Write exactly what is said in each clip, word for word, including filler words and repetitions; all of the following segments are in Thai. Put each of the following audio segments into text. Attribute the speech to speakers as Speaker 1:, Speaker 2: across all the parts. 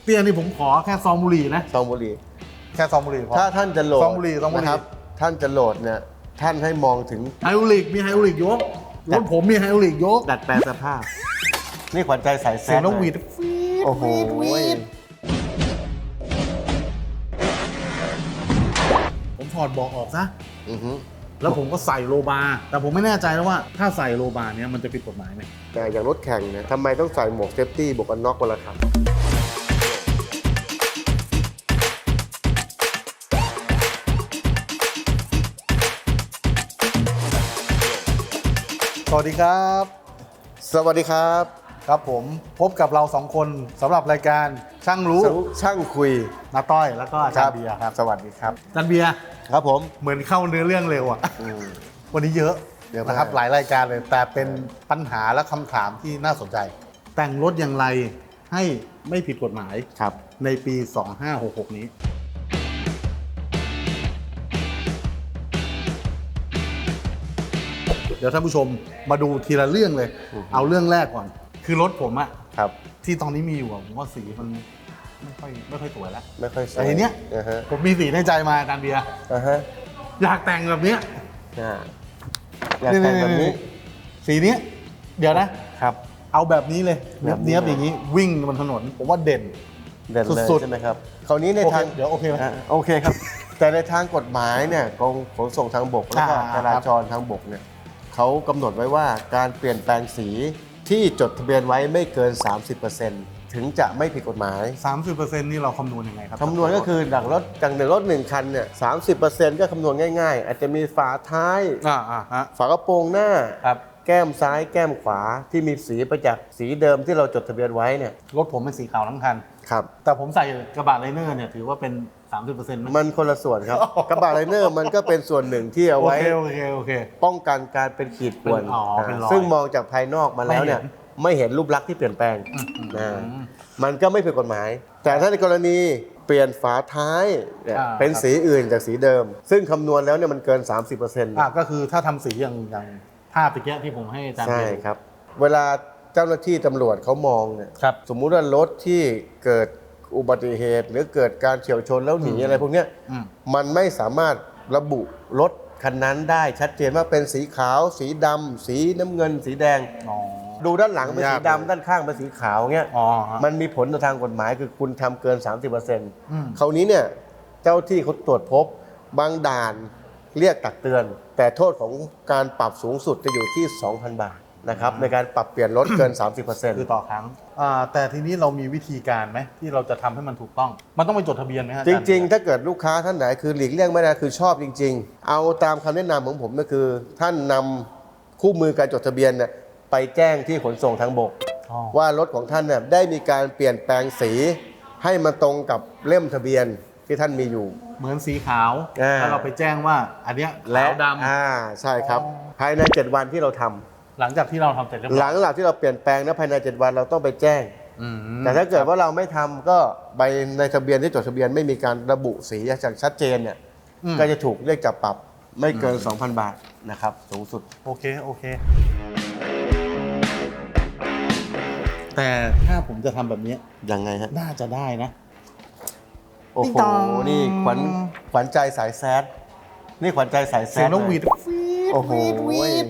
Speaker 1: เตี้ยนี่ผมขอแค่ซองบุหรี่นะ
Speaker 2: ซองบุหรี่
Speaker 1: แค่ซองบุหรี่พอ
Speaker 2: ถ้าท่านจะโหลด
Speaker 1: ซองบุหรี่ซองบุหรี่
Speaker 2: นะครับท่านจะโหลดเนี่ยท่านให้มองถึง
Speaker 1: ไฮดรอลิกมีไฮดรอลิกยกรถผมมีไฮดรอลิกยก
Speaker 2: ดัดแปลงสภาพ นี่ขวัญใจสายแซ
Speaker 1: เสียง
Speaker 2: ด
Speaker 1: นกหวีด
Speaker 2: โอ้โห
Speaker 1: ผมถอดเบอกออกซะ
Speaker 2: อือฮึ
Speaker 1: แล้วผมก็ใส่โลบาร์แต่ผมไม่แน่ใจแล้วว่าถ้าใส่โลบาร์เนี้ยมันจะผิดกฎหมายไหม
Speaker 2: แต่อย่างรถแข่งเนี่ยทำไมต้องใส่หมวกเซฟตี้บวกกันน็อกกันล่ะครับ
Speaker 1: สวัสดีครับ
Speaker 2: สวัสดีครับ
Speaker 1: ครับผมพบกับเราสองคนสำหรับรายการช่างรู้
Speaker 2: ช่างคุย
Speaker 1: นาต้อยแล้วก็อาจารย์เบียร์ครับ
Speaker 2: สวัสดีครับ
Speaker 1: อาจารย์เบียร์
Speaker 2: ครับผม
Speaker 1: เหมือนเข้าเนื้อเรื่องเร็วอ่ะ
Speaker 2: อืม
Speaker 1: วันนี้เยอะ
Speaker 2: เยอะมาก
Speaker 1: นะครับหลายรายการเลยแต่เป็นปัญหาและคำถามที่น่าสนใจ แต่งรถอย่างไรให้ไม่ผิดกฎหมาย
Speaker 2: ครับ
Speaker 1: ในปี สองห้าหกหก นี้ เดี๋ยวท่านผู้ชมมาดูทีละเรื่องเลย
Speaker 2: อือฮึ
Speaker 1: เอาเรื่องแรกก่อน คือรถผมอะ
Speaker 2: ครับ
Speaker 1: ที่ตอนนี้มีอยู่อะผมว่าสีมันไม่ค่อยไม่ค่อยสวยแล้ว
Speaker 2: ไม่ค่อยสวย
Speaker 1: แต่ทีเนี้ย
Speaker 2: อ่าฮะ
Speaker 1: ผมมีสีในใจมาอาจารย์เบียร์
Speaker 2: อ่าฮะ
Speaker 1: อยากแต่งแบบเนี้ย
Speaker 2: อ่าอยากแต่งแบบนี้
Speaker 1: สีเนี้ยเดี๋ยวนะ
Speaker 2: ครับ
Speaker 1: เอาแบบนี้เลย
Speaker 2: แบบนี้
Speaker 1: เนี้ยบๆอย่างนี้วิ่งบนถนน ผมว่าเด่น
Speaker 2: เด่นเลย
Speaker 1: สุดๆ
Speaker 2: ใช่ไหมครับคราวนี้ใน
Speaker 1: โอเค
Speaker 2: ทาง
Speaker 1: เดี๋ยวโอเคไหม
Speaker 2: อ่าโอเคครับ แต่ในทางกฎหมายเนี่ยกรมขนส่งทางบกแล้วก็
Speaker 1: อ่า
Speaker 2: จราจรทางบกเนี่ยเขากำหนดไว้ว่าการเปลี่ยนแปลงสีที่จดทะเบียนไว้ไม่เกิน สามสิบเปอร์เซ็นต์ ถึงจะไม่ผิดกฎหมาย
Speaker 1: สามสิบเปอร์เซ็นต์นี่เราคำนวณยังไงครับ
Speaker 2: คำนวณก็คือดักรถจากหนึ่งรถหนึ่งคันเนี่ยสามสิบเปอร์เซ็นต์ก็คำนวณง่ายๆ อาจจะมีฝาท้าย
Speaker 1: อ่าอ่าฮะ
Speaker 2: ฝากระโปรงหน้า
Speaker 1: ครับ
Speaker 2: แก้มซ้ายแก้มขวาที่มีสีประจักษ์สีเดิมที่เราจดทะเบียนไว้เนี่ย
Speaker 1: รถผมเป็นสีขาวทั้งคัน
Speaker 2: ครับ
Speaker 1: แต่ผมใส่กระบะไลเนอร์เนี่ยถือว่าเป็น สามสิบเปอร์เซ็นต์ ไหม
Speaker 2: มันคนละส่วนครับ กระบะไลเนอร์มันก็เป็นส่วนหนึ่งที่เอา
Speaker 1: โอ
Speaker 2: ไว้
Speaker 1: เคโอเคโอเค
Speaker 2: ป้องกันการเป็นขีดข่วน
Speaker 1: เป็นอ๋อเป็นรอย
Speaker 2: ซึ่งมองจากภายนอกมาแล้วเนี่ย
Speaker 1: ไม่เห็น
Speaker 2: ไม่เห็นรูปลักษณ์ที่เปลี่ยนแปลง
Speaker 1: อืมอืม
Speaker 2: นะ
Speaker 1: อืม
Speaker 2: มันก็ไม่ผิดกฎหมาย แต่ถ้าในกรณีเปลี่ยนฝาท้ายเนี่ย
Speaker 1: อ่า
Speaker 2: เป็นสีอื่นจากสีเดิม ซึ่งคำนวณแล้วเนี่ยมันเกิน สามสิบเปอร์เซ็นต์
Speaker 1: อ่ะก็คือถ้าทำสีอย่างอย่างภาพตะเกียที่ผมให้อาจารย์
Speaker 2: ใช่
Speaker 1: ดู
Speaker 2: ครับ เวลาเจ้าหน้าที่ตำรวจเขามองเนี่ย
Speaker 1: ครับ
Speaker 2: สมมุติว่ารถที่เกิดอุบัติเหตุ หรือเกิดการเฉี่ยวชนแล้วหนี
Speaker 1: อืม
Speaker 2: อะไรพวกเนี้ย
Speaker 1: อืม
Speaker 2: มันไม่สามารถระบุรถคันนั้นได้ชัดเจนว่าเป็นสีขาว สีดำสีน้ำเงิน สีแดง
Speaker 1: อ๋อ
Speaker 2: ดูด้านหลังเป็นสี
Speaker 1: ยากเลย
Speaker 2: ดำด้านข้างเป็นสีขาวเงี้ย
Speaker 1: อ๋อฮะ
Speaker 2: มันมีผลต่อทางกฎหมายคือคุณทำเกิน สามสิบเปอร์เซ็นต์
Speaker 1: อืม
Speaker 2: คราวนี้เนี่ยเจ้าที่เขาตรวจพบบางด่านเรียกตักเตือน แต่โทษของการปรับสูงสุดจะอยู่ที่ สองพัน บาทนะครับในการปรับเปลี่ยนรถเกิน สามสิบเปอร์เซ็นต์
Speaker 1: คือต่อครั้งอ่าแต่ทีนี้เรามีวิธีการไหมที่เราจะทำให้มันถูกต้อง มันต้องไปจดทะเบียนไหมฮะ
Speaker 2: จริงๆ ถ้าเกิดลูกค้าท่านไหนคือหลีกเลี่ยงไม่ได้คือชอบจริง ๆ เอาตามคำแนะนำของผมก็คือ ท่านนำคู่มือการจดทะเบียนเนี่ยไปแจ้งที่ขนส่งทางบก
Speaker 1: อ๋อ
Speaker 2: ว่ารถของท่านเนี่ยได้มีการเปลี่ยนแปลงสีให้มันตรงกับเล่มทะเบียนที่ท่านมีอยู่
Speaker 1: เหมือนสีขาว
Speaker 2: อ่า
Speaker 1: แล้วเราไปแจ้งว่าอันเนี้ย
Speaker 2: และ
Speaker 1: ขาวดำ
Speaker 2: อ่าใช่ครับ
Speaker 1: อ๋อ
Speaker 2: ภายใน เจ็ด วันที่เราทำ
Speaker 1: หลังจากที่เราทำเสร็จเรียบร้อย
Speaker 2: หลังจากที่เราเปลี่ยนแปลงนะภายใน เจ็ด วันเราต้องไปแจ้ง
Speaker 1: อืม
Speaker 2: แต่ถ้าเกิดว่าเราไม่ทำก็ใบในทะเบียนที่จดทะเบียนไม่มีการระบุสีอย่างชัดเจนเนี่ย
Speaker 1: อืม
Speaker 2: ก็จะถูกเรียกจับปรับไม่เกิน สองพัน บาทนะครับสูงสุด
Speaker 1: โอเคโอเค แต่ถ้าผมจะทำแบบนี้
Speaker 2: ยังไงฮะ
Speaker 1: น่าจะได้นะ
Speaker 2: โอ้
Speaker 1: ติ๊
Speaker 2: โห
Speaker 1: งตอง
Speaker 2: นี่ขวัญขวัญใจสายแซดนี่ขวัญใจสายแซ
Speaker 1: เสียง
Speaker 2: ด
Speaker 1: นกหวีด
Speaker 2: เลย
Speaker 1: วีด
Speaker 2: โอ้โห
Speaker 1: วีดวีด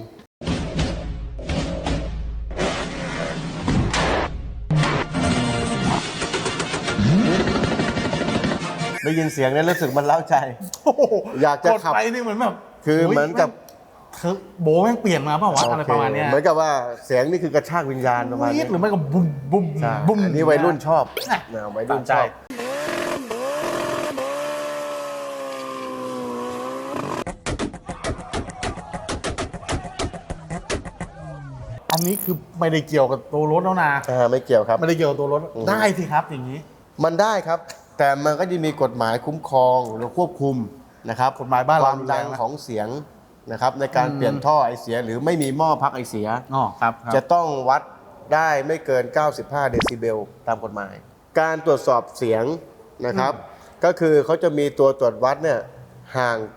Speaker 2: ได้ยินเสียงเนี่ยรู้สึกมันเล้าใจ
Speaker 1: โอ้โห
Speaker 2: อยากจะ
Speaker 1: กด
Speaker 2: ขับ
Speaker 1: ไปนี่เหมือนแบบ
Speaker 2: คือเหมือนกับ
Speaker 1: เธอโบแม่งเปลี่ยนมาเปล่าวะอะไรประมาณเนี้ย
Speaker 2: เหมือนกับว่าเสียงนี่คือกระชากวิญญาณประมาณ
Speaker 1: วี
Speaker 2: นี้
Speaker 1: ดหรือไม่ก็บุ้มบุ้ม
Speaker 2: ใช่
Speaker 1: บุ้ม
Speaker 2: อันนี้วัยรุ่นชอบ
Speaker 1: นะ
Speaker 2: นะวัยรุ่นช
Speaker 1: ตาม
Speaker 2: อบ
Speaker 1: ใจอันนี้คือไม่ได้เกี่ยวกับตัวรถแล้วนะ
Speaker 2: อ่าไม่เกี่ยวครับ
Speaker 1: ไม่ได้เกี่ยวกับตัวรถ
Speaker 2: อืม
Speaker 1: ได้สิครับอย่างนี้
Speaker 2: มันได้ครับ แต่มันก็จะมีกฎหมายคุ้มครองหรือควบคุมนะครับ
Speaker 1: กฎหมายบ้าน
Speaker 2: ค
Speaker 1: เรา
Speaker 2: วามดัง
Speaker 1: รุนแรงนะ
Speaker 2: ของเสียงนะครับในการ
Speaker 1: อืม
Speaker 2: เปลี่ยนท่อไอเสีย หรือไม่มีหม้อพักไอเสีย
Speaker 1: อ๋อครับครับ
Speaker 2: จะต้องวัดได้ไม่เกิน เก้าสิบห้า เดซิเบลตามกฎหมาย การตรวจสอบเสียงนะครับ ก็คือเขาจะมีตัวตรวจวัดเนี่ยห่างจาก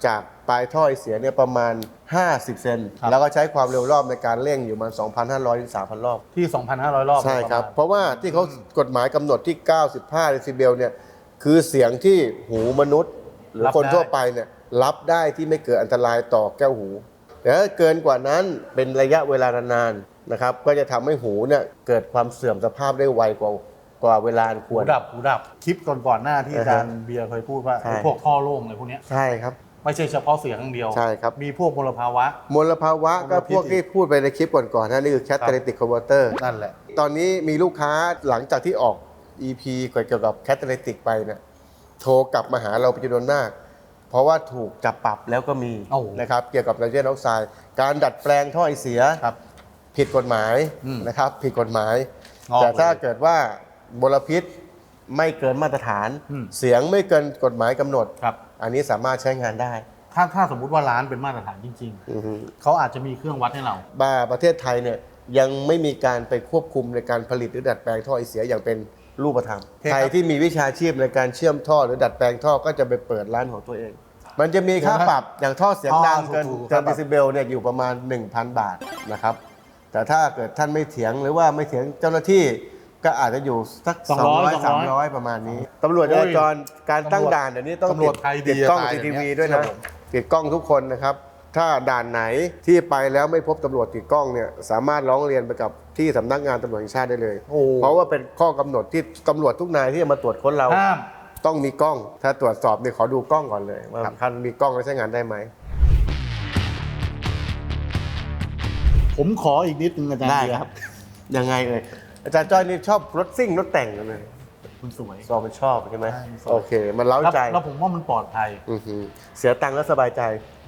Speaker 2: ปลายท่อไอเสียเนี่ยประมาณห้าสิบเซนแล้วก็ใช้ความเร็วรอบในการเร่งอยู่ประมาณ สองพันห้าร้อย ถึง สามพัน รอบ
Speaker 1: ที่ สองพันห้าร้อย รอบ
Speaker 2: ใช่ครับเพราะว่าที่เขากฎหมายกำหนดที่เก้าสิบห้าเดซิเบลเนี่ยคือเสียงที่หูมนุษย์ หรือคนทั่วไปเนี่ยรับได้ที่ไม่เกิดอันตรายต่อแก้วหูแต่ถ้าเกินกว่านั้นเป็นระยะเวลานานๆนะครับก็จะทำให้หูเนี่ยเกิดความเสื่อมสภาพได้ไวกว่ากว่าเวลาควร
Speaker 1: หูดับหูดับคลิปก่อนๆหน้าที่อาจารย์เบียร์เคยพูดว่าไอ้พวกท่อโล่งอะไรพวกเนี้ย
Speaker 2: ใช่ครับ
Speaker 1: ไม่ใช่เฉพาะเสียงอย่างเดียว
Speaker 2: ใช่ครับ
Speaker 1: มีพวกมลภาวะ
Speaker 2: มลภาวะก็พวกที่พูดไปในคลิปก่อนๆนั่นนี่คือ catalytic converter
Speaker 1: นั่นแหละ
Speaker 2: ตอนนี้มีลูกค้าหลังจากที่ออก อี พี เกี่ยวกับ catalytic ไปเนี่ยโทรกลับมาหาเราเป็นจำนวนมากเพราะว่าถูกจับปรับแล้วก็มีนะครับเกี่ยวกับไนโตรเจนออกไซด์การดัดแปลงท่อไอเสียผิดกฎหมายนะครับผิดกฎหมายแต่ถ้าเกิดว่ามลพิษไม่เกินมาตรฐานเสียงไม่เกินกฎหมายกำหนดอันนี้สามารถใช้งานได้
Speaker 1: ถ้าถ้าสมมุติว่าร้านเป็นมาตรฐานจริงๆเขาอาจจะมีเครื่องวัดให้เรา
Speaker 2: บ้าประเทศไทยเนี่ยยังไม่มีการไปควบคุมในการผลิตหรือดัดแปลงท่อไอเสียอย่างเป็นรูปธรรมใครที่มีวิชาชีพในการเชื่อมท่อหรือดัดแปลงท่อก็จะไปเปิดร้านของตัวเอง มันจะมีค่าปรับอย่างท่อเสียงดังเกินเกินเดซิเบลเนี่ยอยู่ประมาณ หนึ่งพัน บาทนะครับแต่ถ้าเกิดท่านไม่เถียงหรือว่าไม่เถียงเจ้าหน้าที่ก็อาจจะอยู่สักสองร้อย สามร้อยประมาณนี้ตำรวจจราจรการตั้งด่านเดี๋ยวนี้ต้องติดกล้อง ซี ที วี ด้วยนะติดกล้องทุกคนนะครับถ้าด่านไหนที่ไปแล้วไม่พบตำรวจติดกล้องเนี่ยสามารถร้องเรียนไปกับที่สำนักงานตำรวจแห่งชาติได้เลยเพราะว่าเป็นข้อกำหนดที่ตำรวจทุกนายที่จะมาตรวจค้นเราต้องมีกล้องถ้าตรวจสอบเนี่ยขอดูกล้องก่อนเลยว่าท่านมีกล้องแล้วใช้งานได้ไหม
Speaker 1: ผมขออีกนิดนึงอาจารย์
Speaker 2: ได้ครับยังไงเลยอาจารย์จ้อยนี่ชอบรถซิ่งรถแต่งกันเลย
Speaker 1: คุณสวย
Speaker 2: ซอมันชอบใช่ไหมโอเคมันเล้าใจ
Speaker 1: แล้วผมว่ามันปลอดภัย
Speaker 2: เสียตังค์แล้วสบายใจ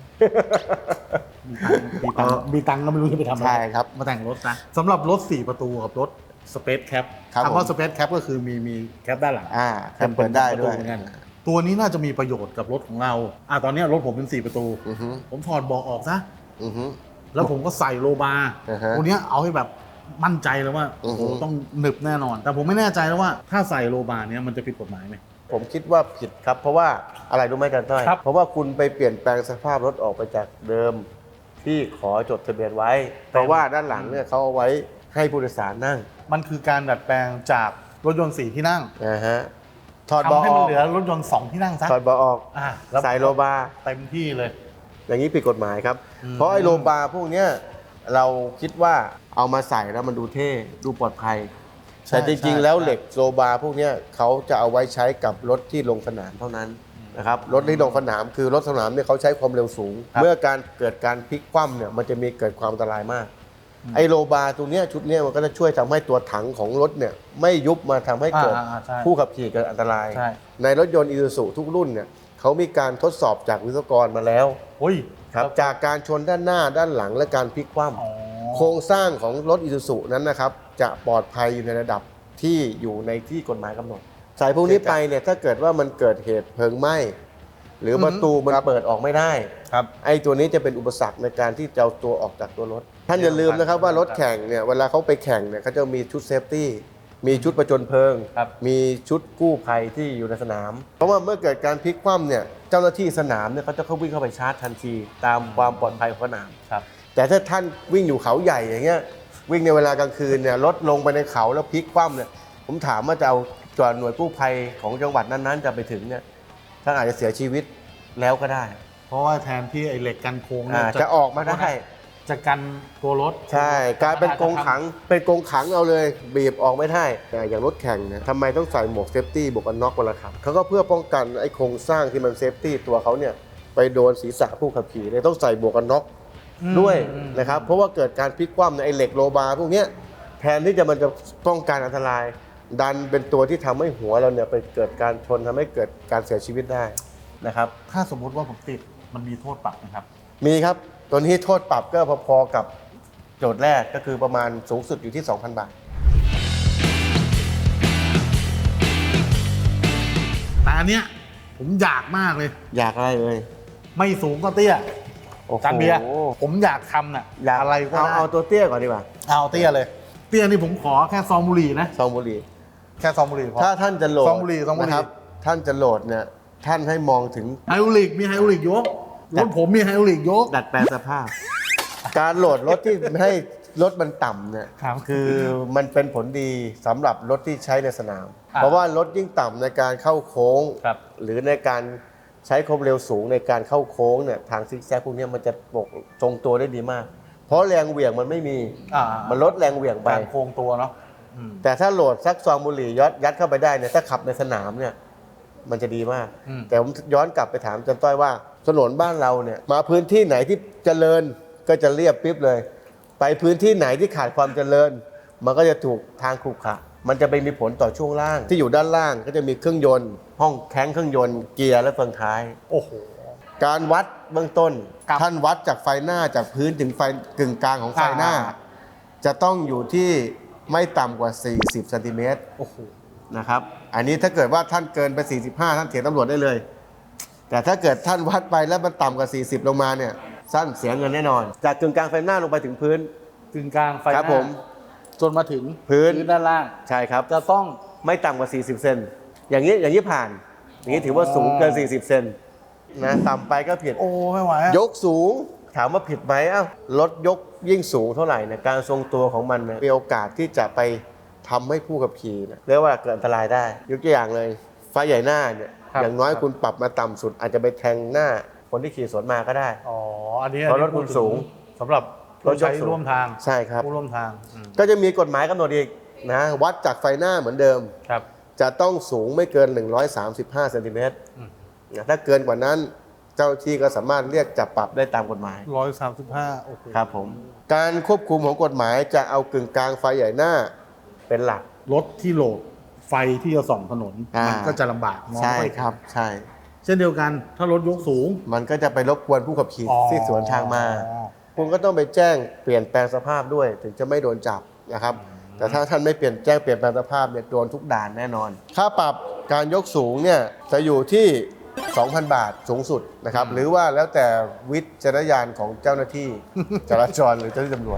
Speaker 1: มีตังค์มีตังค์ก็ไม่รู้จะไปทำอะไร
Speaker 2: ใช่ครับ
Speaker 1: มาแต่งรถนะสำหรับรถสี่ประตูกับรถสเปซแคปคำว่าสเปซแคปก็คือมีมีแคปด้านหลัง
Speaker 2: อ่าแคปเปิดได้ด้วย
Speaker 1: ตัวนี้น่าจะมีประโยชน์กับรถของเราอ่าตอนนี้รถผมเป็นสี่ประตูผมถอดเบาะออกซะแล้วผมก็ใส่โลบาร์ตัวนี้เอาให้แบบมั่นใจเลยว่าโอ้โหต้องหนึบแน่นอนแต่ผมไม่แน่ใจแล้วว่าถ้าใส่โลบาร์เนี้ยมันจะผิดกฎหมายไหม
Speaker 2: ผมคิดว่าผิดครับเพราะว่าอะไรรู้ไหมอาจารย์ต้อยเพราะว่าคุณไปเปลี่ยนแปลงสภาพรถออกไปจากเดิมที่ขอจดทะเบียนไว้เพราะว่าด้านหลังเนี่ยเขาเอาไว้ให้ผู้โดยสารนั่ง
Speaker 1: มันคือการดัดแปลงจากรถยนต์สี่ที่นั่ง
Speaker 2: นะฮะ
Speaker 1: ถอดเบาะให้มันเหลือรถยนต์สองที่นั่งซะ
Speaker 2: ถอดเบาะออกใส่โลบาร์
Speaker 1: เต็มที่เลย
Speaker 2: อย่างนี้ผิดกฎหมายครับเพราะไอ้โลบาร์พวกเนี้ยเราคิดว่าเอามาใส่แล้วมันดูเท่ดูปลอดภัยแต่จริงๆแล้วเหล็กโลบาร์พวกนี้เขาจะเอาไว้ใช้กับรถที่ลงสนามเท่านั้นนะครับรถที่ลงสนามคือรถสนามเนี่ยเขาใช้ความเร็วสูงเมื่อการเกิดการพลิกคว่ำเนี่ยมันจะมีเกิดความอันตรายมากไอโลบาร์ตัวนี้ชุดนี้มันก็จะช่วยทำให้ตัวถังของรถเนี่ยไม่ยุบมาทำให้เกิดผู้ขับขี่เกิดอันตรายในรถยนต์อีซูซุทุกรุ่นเนี่ยเขามีการทดสอบจากวิศวกรมาแล้วครับจากการชนด้านหน้าด้านหลังและการพลิกคว่ำโครงสร้างของรถอีซูซุนั้นนะครับจะปลอดภัยอยู่ในระดับที่อยู่ในที่กฎหมายกำหนดสายพวกนี้ไปเนี่ยถ้าเกิดว่ามันเกิดเหตุเพลิงไหม้หรือประตูมันเปิดออกไม่ได้ครับไอ้ตัวนี้จะเป็นอุปสรรคในการที่จะเอาตัวออกจากตัวรถท่านอย่าลืมนะครับว่ารถแข่งเนี่ยเวลาเขาไปแข่งเนี่ยเขาจะมีชุดเซฟตี้มีชุดประจนเพลิงมีชุดกู้ภัยที่อยู่ในสนามเพราะว่าเมื่อเกิดการพลิกคว่ำเนี่ยเจ้าหน้าที่สนามเนี่ยเขาจะเข้าวิ่งเข้าไปชาร์จทันทีตามความปลอดภัยของสนามแต่ถ้าท่านวิ่งอยู่เขาใหญ่อย่างเงี้ยวิ่งในเวลากลางคืนเนี่ยรถลงไปในเขาแล้วพลิกคว่ำเนี่ยผมถามว่าจะเอาจอดหน่วยกู้ภัยของจังหวัดนั้นๆจะไปถึงเนี่ยท่านอาจจะเสียชีวิตแล้วก็ได้
Speaker 1: เพราะว่าแทนที่ไอ้เหล็กกันโค้ง
Speaker 2: จะออกมาได้
Speaker 1: จะกันตัวรถ
Speaker 2: ใช่กลายเป็นกรงขังเป็นกรงขังเอาเลยบีบออกไม่ได้อย่างรถแข่งเนี่ยทำไมต้องใส่หมวกเซฟตี้บวกกันน็อกเวลาขับเขาก็เพื่อป้องกันไอ้โครงสร้างที่มันเซฟตี้ตัวเขาเนี่ยไปโดนศีรษะผู้ขับขี่เลยต้องใส่บวกกันน็อกด้วยนะครับเพราะว่าเกิดการพลิกคว่ำในไอ้เหล็กโลบาร์พวกนี้แทนที่จะมันจะป้องกันอันตรายดันเป็นตัวที่ทำให้หัวเราเนี่ยไปเกิดการชนทำให้เกิดการเสียชีวิตได้นะครับ
Speaker 1: ถ้าสมมุติว่าผมติดมันมีโทษปรับนะครับ
Speaker 2: มีครับตัวนี้โทษปรับก็พอๆกับโจทย์แรกก็คือประมาณสูงสุดอยู่ที่ สองพัน บาท
Speaker 1: แต่อันเนี้ยผมอยากมากเลย
Speaker 2: อยากอะไรเลย
Speaker 1: ไม่สูงก็เตี้ยจานเบียร์ผมอยากทำน่ะอะไรก็
Speaker 2: เอาเอาตัวเตี้ยก่อนดีกว่า
Speaker 1: เอาเตี้ยเลยเตี้ยนี่ผมขอแค่ซองบุหรี่นะ
Speaker 2: ซองบุหรี่
Speaker 1: แค่ซองบุหรี่พอ
Speaker 2: ถ้าท่านจะโหลด
Speaker 1: ซองบุหรี่ซองบุหรี่
Speaker 2: ท่านจะโหลดเนี่ยท่านให้มองถึง
Speaker 1: ไฮดรอลิกมีไฮดรอลิกอยู่รถผมมีไฮดรอลิกยก
Speaker 2: ดัดแปลงสภาพ การโหลดรถที่ให้รถมันต่ำเนี่ย
Speaker 1: ครับ
Speaker 2: คือมันเป็นผลดีสำหรับรถที่ใช้ในสนาม
Speaker 1: อ่า
Speaker 2: เพราะว่ารถยิ่งต่ำในการเข้าโค้ง
Speaker 1: ครับ
Speaker 2: หรือในการใช้ความเร็วสูงในการเข้าโค้งเนี่ยทางซิกแซกพวกเนี้ยมันจะปกทรงตัวได้ดีมาก เพราะแรงเหวี่ยงมันไม่มี
Speaker 1: อ่า
Speaker 2: มันลดแรงเหวี่ยงไป
Speaker 1: การโค้งตัวเนาะอืม
Speaker 2: แต่ถ้าโหลดสักซองบุหรี่ยัดยัดเข้าไปได้เนี่ยถ้าขับในสนามเนี่ยมันจะดีมาก
Speaker 1: อืม
Speaker 2: แต่ผมย้อนกลับไปถามอาจันต้อยว่าถนนบ้านเราเนี่ยมาพื้นที่ไหนที่เจริญก็จะเรียบปิ๊บเลย ไปพื้นที่ไหนที่ขาดความเจริญ มันก็จะถูกทางขรุขระมันจะไปมีผลต่อช่วงล่าง ที่อยู่ด้านล่างก็จะมีเครื่องยนต์ ห้องแข้งเครื่องยนต์เกียร์และเฟืองท้าย
Speaker 1: โอ้โห
Speaker 2: การวัดเบื้องต้น
Speaker 1: ครับ
Speaker 2: ท่านวัดจากไฟหน้าจากพื้นถึงไฟกึ่งกลางของไฟหน้า
Speaker 1: อ่า
Speaker 2: จะต้องอยู่ที่ไม่ต่ำกว่า สี่สิบเซนติเมตร
Speaker 1: โอ้โห
Speaker 2: นะครับ อันนี้ถ้าเกิดว่าท่านเกินไป สี่สิบห้า ท่านเถียงตำรวจได้เลย แต่ถ้าเกิดท่านวัดไปแล้วมันต่ำกว่า สี่สิบ ลงมาเนี่ยสั้นเสียเงินแน่นอน จากกึ่งกลางไฟหน้าลงไปถึงพื้น
Speaker 1: กึ่งกลางไฟห
Speaker 2: ครั
Speaker 1: น้า
Speaker 2: บผม
Speaker 1: จนมาถึง
Speaker 2: พื้น
Speaker 1: ด้านล่าง
Speaker 2: ใช่ครับ
Speaker 1: จะต้อง
Speaker 2: ไม่ต่ำกว่า สี่สิบ เซน อย่างนี้อย่างนี้ผ่าน อย่างนี้ถือว่าสูงเกิน สี่สิบ เซนนะต่ำไปก็ผิด
Speaker 1: โอ้ไม่ไหวอะ
Speaker 2: ยกสูงถามว่าผิดไหมอ้าวรถยกยิ่งสูงเท่าไหร่เนี่ยการทรงตัวของมันเนี่ยมีโอกาสที่จะไปทำให้ผู้ขับขี่เนี่ยเรียกว่าเกิดอันตรายได้ ยกตัวอย่างเลยไฟใหญ่หน้าเนี่ยอย่างน้อยคุณปรับมาต่ำสุด อาจจะไปแทงหน้าคนที่ขี่สวนมาก็ได้
Speaker 1: อ๋ออันนี้
Speaker 2: เพราะรถคุณสูง
Speaker 1: สำหรับ
Speaker 2: รถยก
Speaker 1: ใช้
Speaker 2: สูง
Speaker 1: ร่วมทาง
Speaker 2: ใช่ครับ
Speaker 1: ผู้ร่วมทางอืม
Speaker 2: ก็จะมีกฎหมายกำหนดอีกนะวัดจากไฟหน้าเหมือนเดิม
Speaker 1: ครับ
Speaker 2: จะต้องสูงไม่เกิน หนึ่งร้อยสามสิบห้า เซนติเมตร
Speaker 1: อืม
Speaker 2: นะถ้าเกินกว่านั้นเจ้าหน้าที่ก็สามารถเรียกจับปรับได้ตามกฎหมาย
Speaker 1: ร้อยสามสิบห้าโอ้โห
Speaker 2: ครับผมการควบคุมของกฎหมายจะเอากึ่งกลางไฟใหญ่หน้าเป็นหลัก
Speaker 1: รถที่โหลดไฟที่จะส่องถนน
Speaker 2: อ่ามั
Speaker 1: มันก็จะลำบากมอง
Speaker 2: ใช่
Speaker 1: ไม่เห็น
Speaker 2: ครับใช่
Speaker 1: เช่นเดียวกันถ้ารถยกสูง
Speaker 2: มันก็จะไปรบกวนผู้ขับขี่
Speaker 1: อ๋อ
Speaker 2: ที่สวนทางมา คุณก็ต้องไปแจ้งเปลี่ยนแปลงสภาพด้วย ถึงจะไม่โดนจับนะครับ แต่ถ้าท่านไม่เปลี่ยนแจ้งเปลี่ยนแปลงสภาพเนี่ยโดนทุกด่านแน่นอน ค่าปรับการยกสูงเนี่ยจะอยู่ที่ สองพัน บาทสูงสุดนะครับ หรือว่าแล้วแต่วิจารณญาณของเจ้าหน้าที่ จราจรหรือเจ้าหน้าที่ตำรวจ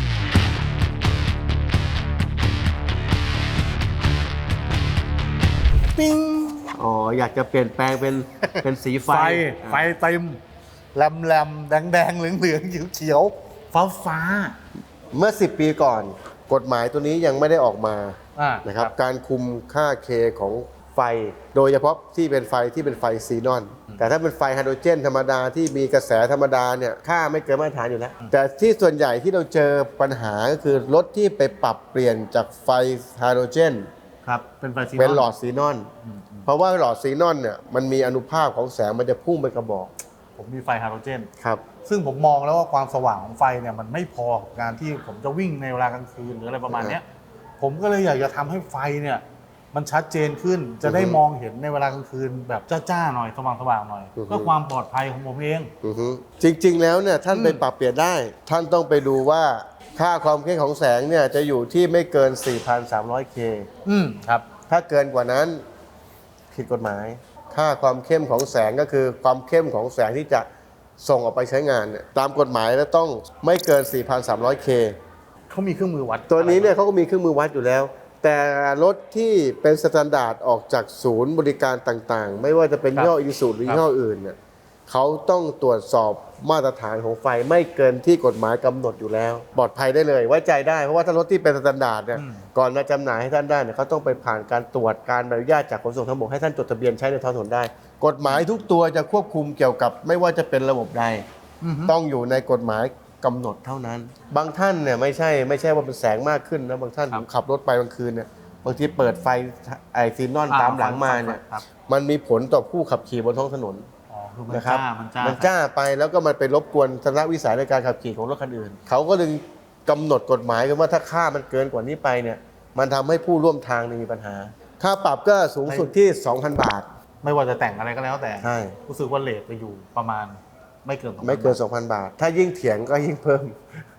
Speaker 1: ปิ้ง
Speaker 2: อ๋ออยากจะเปลี่ยนแปลงเป็น เป็นสีไฟ
Speaker 1: ไฟไฟเต็มแหลมแหลมแดงแดงเหลืองเหลืองเขียวเขียวฟ้าฟ้า
Speaker 2: เมื่อ สิบ ปีก่อน กฎหมายตัวนี้ยังไม่ได้ออกมา
Speaker 1: อ่า
Speaker 2: นะครับการคุมค่าเคของไฟ โดยเฉพาะที่เป็นไฟที่เป็นไฟซีนอน แต่ถ้าเป็นไฟไฮโดรเจนธรรมดาที่มีกระแสธรรมดาเนี่ยค่าไม่เกินมาตรฐานอยู่แล้ว แต่ที่ส่วนใหญ่ที่เราเจอปัญหาก็คือรถที่ไปปรับเปลี่ยนจากไฟไฮโดรเจน
Speaker 1: ครับเป็นไฟสี
Speaker 2: เป็นหลอดซีนอน เพราะว่าหลอดซีนอนเนี่ยมันมีอนุภาคของแสงมันจะพุ่งไปกระบอก
Speaker 1: ผมมีไฟไฮโดรเจน
Speaker 2: ครับ
Speaker 1: ซึ่งผมมองแล้วว่าความสว่างของไฟเนี่ยมันไม่พอกับการที่ผมจะวิ่งในเวลากลางคืนหรืออะไรประมาณเนี้ยผมก็เลยอยากจะทำให้ไฟเนี่ยมันชัดเจนขึ้นจะได้
Speaker 2: อือฮึ
Speaker 1: มองเห็นในเวลากลางคืนแบบจ้าๆหน่อยสว่างๆหน่อย
Speaker 2: อือฮึ
Speaker 1: เพื่อความปลอดภัยของผมเอง
Speaker 2: อือฮึจริงๆแล้วเนี่ยท่าน
Speaker 1: อืม
Speaker 2: ไปปรับเปลี่ยนได้ ท่านต้องไปดูว่าค่าความเข้มของแสงเนี่ยจะอยู่ที่ไม่เกิน สี่พันสามร้อยเค
Speaker 1: อืมครับ
Speaker 2: ถ้าเกินกว่านั้นผิดกฎหมาย ค่าความเข้มของแสงก็คือความเข้มของแสงที่จะส่งออกไปใช้งานเนี่ยตามกฎหมายแล้วต้องไม่เกิน สี่พันสามร้อยเค
Speaker 1: เขามีเครื่องมือวัด
Speaker 2: ตัวนี้เนี่ยเขาก็มีเครื่องมือวัดอยู่แล้ว แต่รถที่เป็นสแตนดาร์ดออกจากศูนย์บริการต่างๆ ไม่ว่าจะเป็นยี่ห้ออีซูหรือยี่ห้ออื่นเนี่ยเขาต้องตรวจสอบมาตรฐานของไฟไม่เกินที่กฎหมายกำหนดอยู่แล้ว ปลอดภัยได้เลยไว้ใจได้เพราะว่าถ้ารถที่เป็นสแตนดาร์ดเนี่ยก่อนมาจำหน่ายให้ท่านได้เนี่ยเขาต้องไปผ่านการตรวจการอนุญาตจากขนส่งทางบกให้ท่านจดทะเบียนใช้ในท้องถนนได้ กฎหมายทุกตัวจะควบคุมเกี่ยวกับไม่ว่าจะเป็นระบบใด
Speaker 1: อือฮึ
Speaker 2: ต้องอยู่ในกฎหมายกำหนดเท่านั้น บางท่านเนี่ยไม่ใช่ไม่ใช่ว่าเป็นแสงมากขึ้นนะบางท่านผมขับรถไปกลางคืนเนี่ยบางทีเปิดไฟไอซีนอนตามหลังมาเนี่ย
Speaker 1: ครับ
Speaker 2: มันมีผลต่อผู้ขับขี่บนท้องถนน
Speaker 1: อ๋อคือมัน
Speaker 2: นะครับ
Speaker 1: จ้ามันจ้า
Speaker 2: มันจ้าไปแล้วก็มันไปรบกวนทัศนวิสัยในการขับขี่ของรถคันอื่น เขาก็เลยกำหนดกฎหมายกันว่าถ้าค่ามันเกินกว่านี้ไปเนี่ยมันทำให้ผู้ร่วมทางเนี่ยมีปัญหา ค่าปรับก็สูงสุดที่ สองพัน บาท
Speaker 1: ไม่ว่าจะแต่งอะไรก็แล้วแต่
Speaker 2: ใช่
Speaker 1: รู้สึกว่าเลทไปอยู่ประมาณไม่เกินสองพัน
Speaker 2: ไม่เกิน สองพัน บาท ถ้ายิ่งเถียงก็ยิ่งเพิ่ม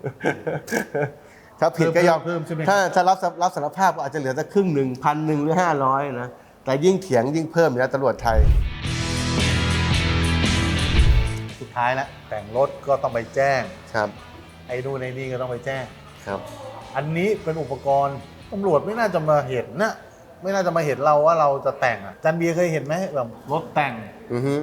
Speaker 2: ถ้าผิดก็ยอม
Speaker 1: เพิ่มใช่ไหม
Speaker 2: ถ้าถ้ารับรับสารภาพก็อาจจะเหลือสักครึ่งหนึ่งพันหนึ่งหรือห้าร้อยนะ แต่ยิ่งเถียงยิ่งเพิ่มนะตำรวจไทย
Speaker 1: สุดท้ายแล้วแต่งรถก็ต้องไปแจ้ง
Speaker 2: ครับ
Speaker 1: ไอ้นู่นไอ้นี่ก็ต้องไปแจ้ง
Speaker 2: ครับ
Speaker 1: อันนี้เป็นอุปกรณ์ตำรวจไม่น่าจะมาเห็นนะไม่น่าจะมาเห็นเราว่าเราจะแต่งอ่ะจันเบียร์เคยเห็นไหมแบบรถแต่ง
Speaker 2: อือฮึ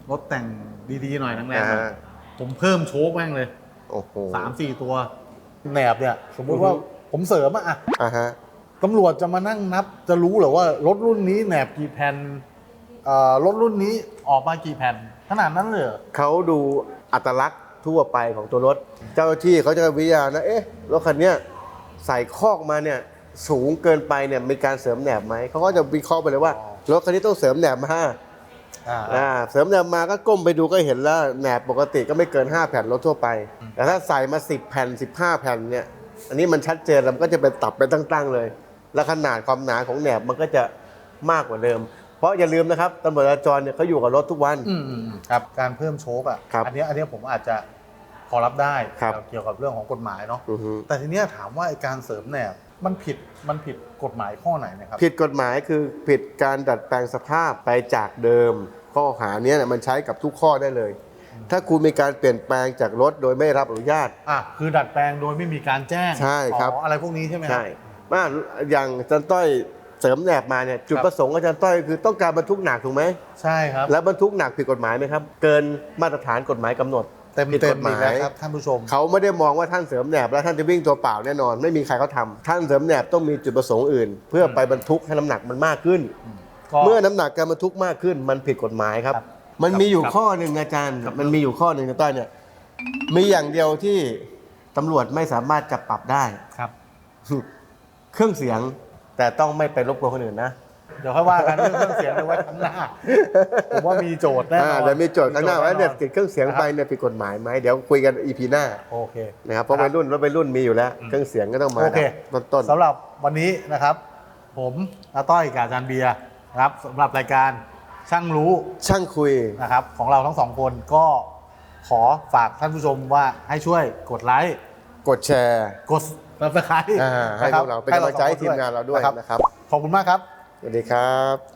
Speaker 1: รถแต่งดีๆหน่อยแรงๆหน่
Speaker 2: อ่า
Speaker 1: อย
Speaker 2: ฮะ
Speaker 1: ผมเพิ่มโชคแม่งเลย
Speaker 2: โอ้โห
Speaker 1: สามสี่ตัวแหนบเนี่ย สมมุติว่าผมเสริมอะอะ
Speaker 2: อ่าฮะ
Speaker 1: ตำรวจจะมานั่งนับ จะรู้เหรอว่ารถรุ่นนี้แหนบกี่แผ่นเอ่อรถรุ่นนี้ออกมากี่แผ่น ขนาดนั้นเลยเหรอ
Speaker 2: เขาดูอัตลักษณ์ทั่วไปของตัวรถ เจ้าหน้าที่เขาจะวิจารณ์นะ เอ๊ะ รถคันเนี้ยใส่คอกมาเนี่ยสูงเกินไปเนี่ยมีการเสริมแหนบไหม เขาก็จะวิเคราะห์ไปเลยว่า
Speaker 1: อ๋อ
Speaker 2: รถคันนี้ต้องเสริมแหนบมา
Speaker 1: อ่า
Speaker 2: อ่าเสริมแหนบมาก็ก้มไปดูก็เห็นแล้วแหนบปกติก็ไม่เกินห้าแผ่นรถทั่วไป แต่ถ้าใส่มาสิบแผ่นสิบห้าแผ่นเนี่ยอันนี้มันชัดเจนแล้วมันก็จะเป็นตับเป็นตั้งๆเลย แล้วขนาดความหนาของแหนบมันก็จะมากกว่าเดิม เพราะอย่าลืมนะครับตำรวจจราจรเนี่ยเขาอยู่กับรถทุกวัน
Speaker 1: อืมอืมอืมครับ การเพิ่มโชคอ่ะ
Speaker 2: ครับ
Speaker 1: อันเนี้ยอันเนี้ยผมอาจจะพอรับได้
Speaker 2: ครับ
Speaker 1: เกี่ยวกับเรื่องของกฎหมายเนาะ
Speaker 2: อือฮึ
Speaker 1: แต่ทีเนี้ยถามว่าไอ้การเสริมแหนบมันผิดมันผิดกฎหมายข้อไหนนะครับ
Speaker 2: ผิดกฎหมายคือผิดการดัดแปลงสภาพไปจากเดิม ข้อหาเนี้ยเนี่ยมันใช้กับทุกข้อได้เลย ถ้าคุณมีการเปลี่ยนแปลงจากรถโดยไม่รับอนุญาต
Speaker 1: อ่ะคือดัดแปลงโดยไม่มีการแจ้ง
Speaker 2: ใช่ครับ
Speaker 1: อ๋ออะไรพวกนี้ใช่ไหมครับ
Speaker 2: ใช่ว่าอย่างอาจารย์ต้อยเสริมแหนบมาเนี่ยจุด
Speaker 1: ครับ
Speaker 2: ประสงค์อาจารย์ต้อยคือต้องการบรรทุกหนักถูกไหม
Speaker 1: ใช่ครับ
Speaker 2: แล้วบรรทุกหนักผิดกฎหมายไหมครับ เกินมาตรฐานกฎหมายกำหนด
Speaker 1: เต็ม
Speaker 2: ผิด
Speaker 1: เต็
Speaker 2: ก
Speaker 1: ม
Speaker 2: ฎห
Speaker 1: อี
Speaker 2: มาก
Speaker 1: แล้ว
Speaker 2: ย
Speaker 1: ครับท่านผู้ชม
Speaker 2: เขาไม่ได้มองว่าท่านเสริมแหนบแล้วท่านจะวิ่งตัวเปล่าแน่นอน ไม่มีใครเขาทำท่านเสริมแหนบต้องมีจุดประสงค์อื่น เพื่อไปบรรทุกให้น้ำหนักมันมากขึ้น
Speaker 1: ก็
Speaker 2: เมื่อน้ำหนักการบรรทุกมากขึ้น มันผิดกฎหมายครับ
Speaker 1: ครับ
Speaker 2: มันมีอยู่
Speaker 1: ครับ
Speaker 2: ข้อหนึ่งอาจารย์
Speaker 1: ครับ
Speaker 2: มันมีอยู่ข้อหนึ่งนะต้อยเนี่ยมีอย่างเดียวที่ตำรวจไม่สามารถจับปรับได้
Speaker 1: ครับ
Speaker 2: เครื่องเสียงแต่ต้องไม่ไปรบกวนคนอื่นนะ
Speaker 1: เดี๋ยวค่อยว่ากันเรื่องเครื่องเสียงเอาไว้ข้างหน้า ผมว่ามีโจทย์แน่น
Speaker 2: อ่า
Speaker 1: อน
Speaker 2: เดี๋ยวมีโจทย์ข้างหน้าว่าเนี่ยติดเครื่องเสียงไป
Speaker 1: นะครับ
Speaker 2: เนี่ยผิดกฎหมายไหมเดี๋ยวคุยกันอีพีหน้า
Speaker 1: โอเค
Speaker 2: นะครับเพราะวัยรุ่นรถวัยรุ่นมีอยู่แล้ว เครื่องเสียงก็ต้องมา
Speaker 1: โอเค
Speaker 2: ต้นต้น
Speaker 1: สำหรับวันนี้นะครับ ผมอาต้อยกับอาจารย์เบียร์นะครับสำหรับรายการช่างรู้
Speaker 2: ๆช่างคุย
Speaker 1: นะครับของเราทั้งสองคนก็ขอฝากท่านผู้ชมว่าให้ช่วยกดไลค์
Speaker 2: กดแชร์
Speaker 1: กด ซับสไครบ์
Speaker 2: อ่าให้พวกเราเป็นกำลังใจให้ทีมงานเราด้วยนะครับ
Speaker 1: ขอบคุณมากครับ
Speaker 2: สวัสดีครับ